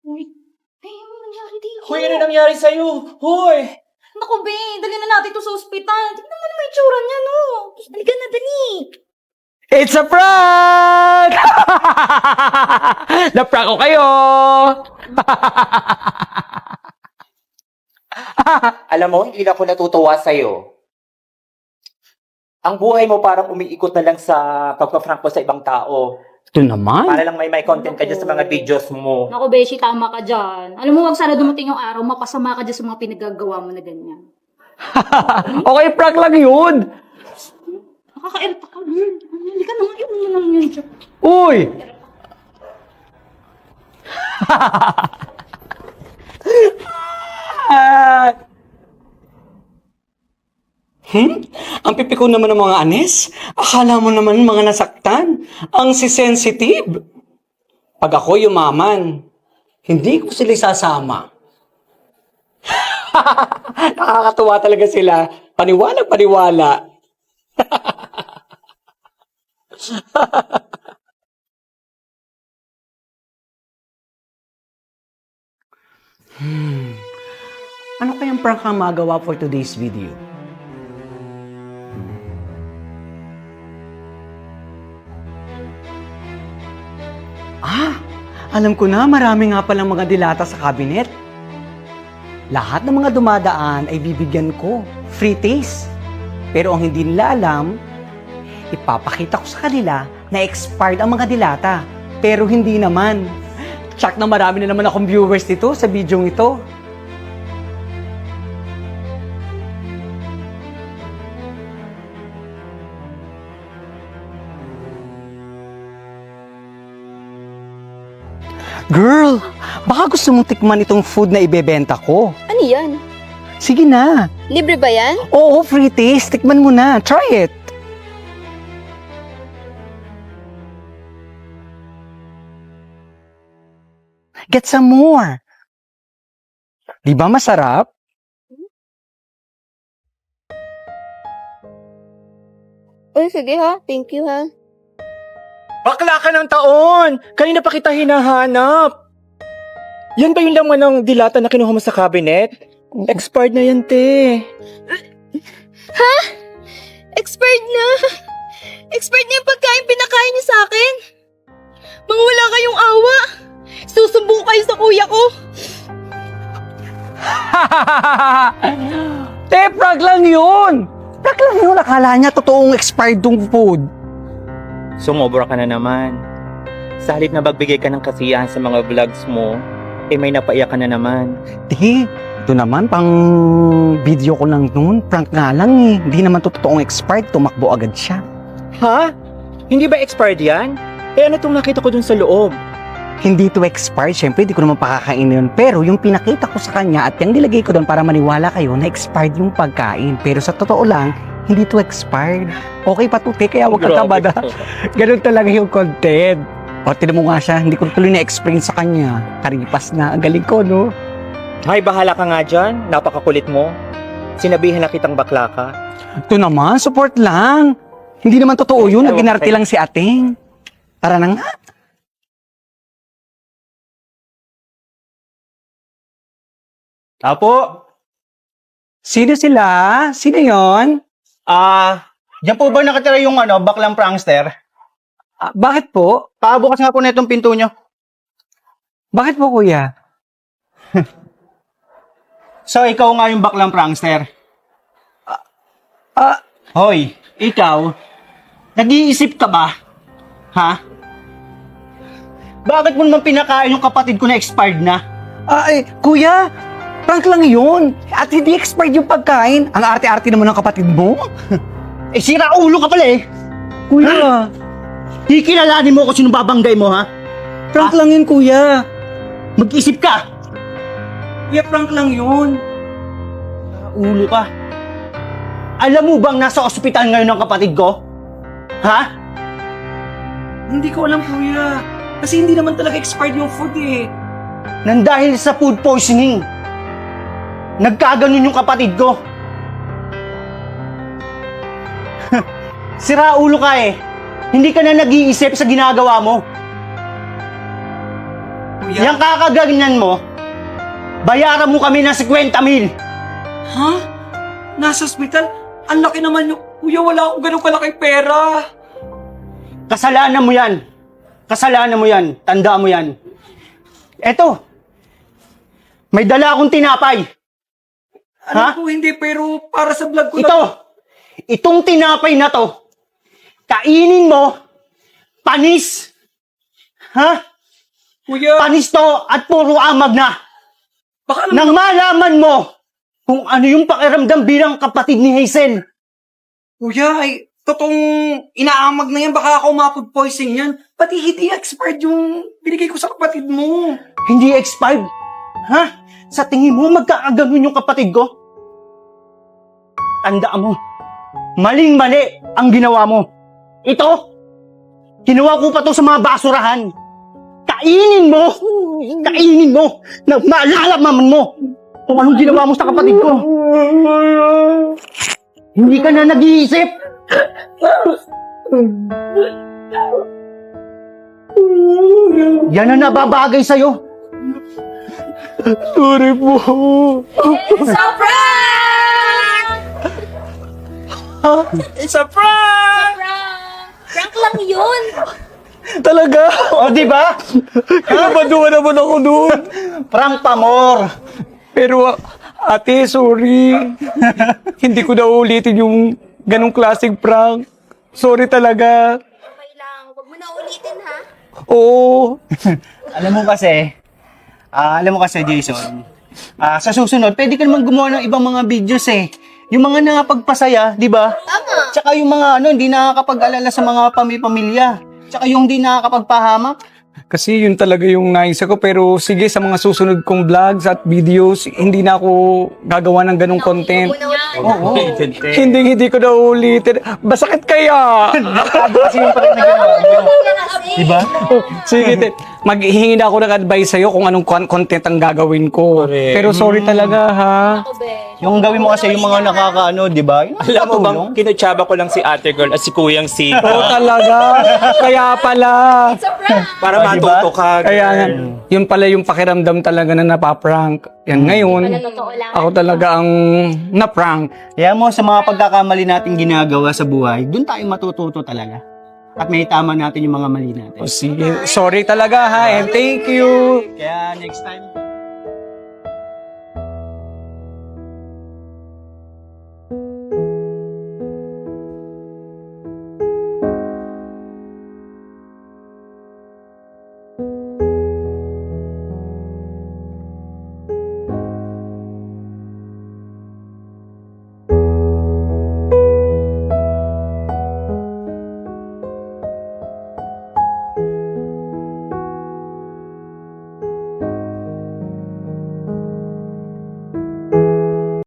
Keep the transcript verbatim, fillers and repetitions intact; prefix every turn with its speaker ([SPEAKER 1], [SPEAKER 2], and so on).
[SPEAKER 1] Uy, ay, ano nangyari dito?
[SPEAKER 2] Hoy, ano nangyari sa'yo? Hoy!
[SPEAKER 1] Naku, be, dali na natin to sa ospital. Tignan mo naman yung tsura niya, no? Dali ka na, dali.
[SPEAKER 2] It's a prank! Na-prank ko kayo! Alam mo, hindi na ako natutuwa sa'yo. Ang buhay mo parang umiikot na lang sa pagpa-prank mo sa ibang tao.
[SPEAKER 3] Ito naman.
[SPEAKER 2] Para lang may may content ka dyan sa mga videos mo.
[SPEAKER 1] Naku, Beshi, tama ka dyan. Alam mo, wag sana dumating yung araw, mapasama ka dyan sa mga pinagagawa mo na ganyan.
[SPEAKER 3] Okay, prank lang yun.
[SPEAKER 1] Nakaka-irita ka, girl. Hindi ka naman, yun mo lang yun dyan.
[SPEAKER 3] Uy! Hmm? Ang pipiko naman ng mga anes? Akala mo naman mga nasaktan. Ang si-sensitive. Pag ako yumaman, hindi ko sila isasama. Nakakatuwa talaga sila. Paniwala, paniwala. hmm. Ano kayang prank ang magawa for today's video? Ah, alam ko na, marami nga palang mga dilata sa cabinet. Lahat ng mga dumadaan ay bibigyan ko. Free taste. Pero ang hindi nila alam, ipapakita ko sa kanila na expired ang mga dilata. Pero hindi naman. Tsak na marami na naman akong viewers dito sa video ito. Girl, baka gusto mong tikman itong food na ibebenta ko.
[SPEAKER 4] Ano yan?
[SPEAKER 3] Sige na.
[SPEAKER 4] Libre ba yan?
[SPEAKER 3] Oo, free taste. Tikman mo na. Try it. Get some more. Di ba masarap?
[SPEAKER 4] Uy, sige ha. Thank you ha.
[SPEAKER 2] Bakla ka ng taon! Kanina pa kita hinahanap. Yan ba yung laman ng dilata na kinuha mo sa cabinet? Expired na yan, te.
[SPEAKER 4] Ha? Expired na. Expired na yung pagkain pinakain niyo sa akin. Mga wala kayong awa. Susumbong kayo sa kuya ko.
[SPEAKER 3] Te, prank lang yun! Prank lang yun. Akala niya totoong expired tong food.
[SPEAKER 2] Sumobra ka na naman. Sa halip na magbigay ka ng kasiyahan sa mga vlogs mo, eh may napaiyak ka na naman.
[SPEAKER 3] Di, ito naman, pang video ko lang noon. Prank nga lang eh. Hindi naman to totoong expired. Tumakbo agad siya.
[SPEAKER 2] Ha? Hindi ba expired yan? Eh ano itong nakita ko dun sa loob?
[SPEAKER 3] Hindi to expired. Siyempre, di ko naman pakakain yun. Pero yung pinakita ko sa kanya at yung nilagay ko doon para maniwala kayo na expired yung pagkain. Pero sa totoo lang, hindi to expired. Okay pa to, te, kaya huwag kang kabada. Ganun talaga yung content. O, tinan mo nga siya, hindi ko tuloy na-explain sa kanya. Karipas na, ang galing ko, no?
[SPEAKER 2] Hay, bahala ka nga dyan. Napakakulit mo. Sinabihan na kitang bakla ka.
[SPEAKER 3] Ito naman, support lang. Hindi naman totoo yun,
[SPEAKER 2] Ewan
[SPEAKER 3] naginarte
[SPEAKER 2] ko.
[SPEAKER 3] lang si ating. Tara na nga.
[SPEAKER 5] Apo,
[SPEAKER 3] Sino sila? Sino yon?
[SPEAKER 5] ah, diyan po ba nakatira yung ano, baklang prankster?
[SPEAKER 3] Ah, bakit po?
[SPEAKER 5] Pabukas nga po na itong pinto nyo.
[SPEAKER 3] Bakit po, kuya?
[SPEAKER 5] So, ikaw nga yung baklang prankster.
[SPEAKER 3] Ah,
[SPEAKER 5] Hoy, ikaw, nag-iisip ka ba? Ha? Bakit mo naman pinakain yung kapatid ko na expired na?
[SPEAKER 3] ay, kuya, prank lang yun. At hindi expired yung pagkain. Ang arte-arte naman ng kapatid mo.
[SPEAKER 5] Eh, sira ulo ka pala eh.
[SPEAKER 3] Kuya,
[SPEAKER 5] Kikilalanin mo kung sino babanggay mo, ha?
[SPEAKER 3] prank lang yun, kuya.
[SPEAKER 5] Mag-isip ka.
[SPEAKER 3] Kuya, prank lang yun.
[SPEAKER 5] Ulo ka. Alam mo bang nasa ospital ngayon ang kapatid ko? Ha?
[SPEAKER 3] Hindi ko alam, kuya. Kasi hindi naman talaga expired yung food eh.
[SPEAKER 5] Nang dahil sa food poisoning, nagkaganon yung kapatid ko. Sira ulo ka eh. Hindi ka na nag-iisip sa ginagawa mo. Yung kakaganyan mo, bayaran mo kami ng fifty mil.
[SPEAKER 3] Ha? Nasa ospital? Ang laki naman yung... Kuya, wala akong ganun kalaking pera.
[SPEAKER 5] Kasalanan mo yan. Kasalanan mo yan. Tandaan mo yan. Eto, may dala akong tinapay.
[SPEAKER 3] Alam
[SPEAKER 5] Ha?
[SPEAKER 3] ko hindi, pero para sa vlog ko
[SPEAKER 5] Ito, itong tinapay na to, kainin mo, panis. Ha?
[SPEAKER 3] Kuya,
[SPEAKER 5] Panis to at puro amag na.
[SPEAKER 3] baka naman...
[SPEAKER 5] Nang malaman mo kung ano yung pakiramdam bilang kapatid ni Hazel.
[SPEAKER 3] Kuya, ay, totoong inaamag na yan. Baka ako ma-food poison yan. Pati hindi expired yung binigay ko sa kapatid mo.
[SPEAKER 5] Hindi expired. Ha? Sa tingin mo, magkakaganon yung kapatid ko? Tandaan mo, maling-mali ang ginawa mo. Ito, ginawa ko pa to sa mga basurahan. Kainin mo! Kainin mo! Na maalalaman mo kung anong ginawa mo sa kapatid ko. Hindi ka na nag-iisip. Yan ang nababagay sa'yo. Sorry po.
[SPEAKER 1] It's a prank!
[SPEAKER 2] It's a prank!
[SPEAKER 1] Prank! Prank lang yun!
[SPEAKER 2] Talaga?
[SPEAKER 5] O, di ba?
[SPEAKER 2] Nabaduan naman ako doon.
[SPEAKER 5] Prank pa, more.
[SPEAKER 3] Pero, ate, sorry. Hindi ko na ulitin yung ganong klaseng prank. Sorry talaga.
[SPEAKER 4] Okay lang. Huwag mo na ulitin, ha?
[SPEAKER 3] Oo.
[SPEAKER 5] Alam mo kasi, ah, alam mo kasi, Jason, ah, sa susunod, pwede ka naman gumawa ng ibang mga videos eh. Yung mga nakapagpasaya, di ba?
[SPEAKER 4] Tama.
[SPEAKER 5] Tsaka yung mga ano, hindi nakakapag-alala sa mga pamilya. Tsaka yung hindi nakakapagpahamak.
[SPEAKER 3] Kasi yun talaga yung naisa ko. Pero sige, sa mga susunod kong vlogs at videos, hindi na ako gagawa ng ganong content.
[SPEAKER 4] Huwag mo na ulitin.
[SPEAKER 5] Oo.
[SPEAKER 3] Hindi, hindi ko na ulitin. Basakit kaya?
[SPEAKER 5] Kasi yung parang nagagawa mo. Di ba?
[SPEAKER 3] Sige, te. Maghihingi na ako ng advice sa'yo kung anong con- content ang gagawin ko.
[SPEAKER 2] Correct.
[SPEAKER 3] Pero sorry talaga, ha?
[SPEAKER 1] Ako, be.
[SPEAKER 5] Yung gawin mo kasi yung mga nakakaano, di ba? Yung
[SPEAKER 2] Alam mo bang,
[SPEAKER 5] nakatulong.
[SPEAKER 2] kinutsaba ko lang si ate girl at si kuyang si...
[SPEAKER 3] Oo, talaga. Kaya pala.
[SPEAKER 1] It's a prank!
[SPEAKER 2] Para
[SPEAKER 5] Ah, diba?
[SPEAKER 2] matuto ka.
[SPEAKER 3] Kaya nga, yun pala yung pakiramdam talaga na napaprank. Yan ngayon,
[SPEAKER 1] Wala totoo lang.
[SPEAKER 3] ako talaga ang naprank.
[SPEAKER 5] Kaya mo, sa mga pagkakamali natin ginagawa sa buhay, dun tayo matututo talaga. At may tama natin yung mga mali natin.
[SPEAKER 3] O sige, sorry talaga ha, and thank you.
[SPEAKER 5] Kaya next time,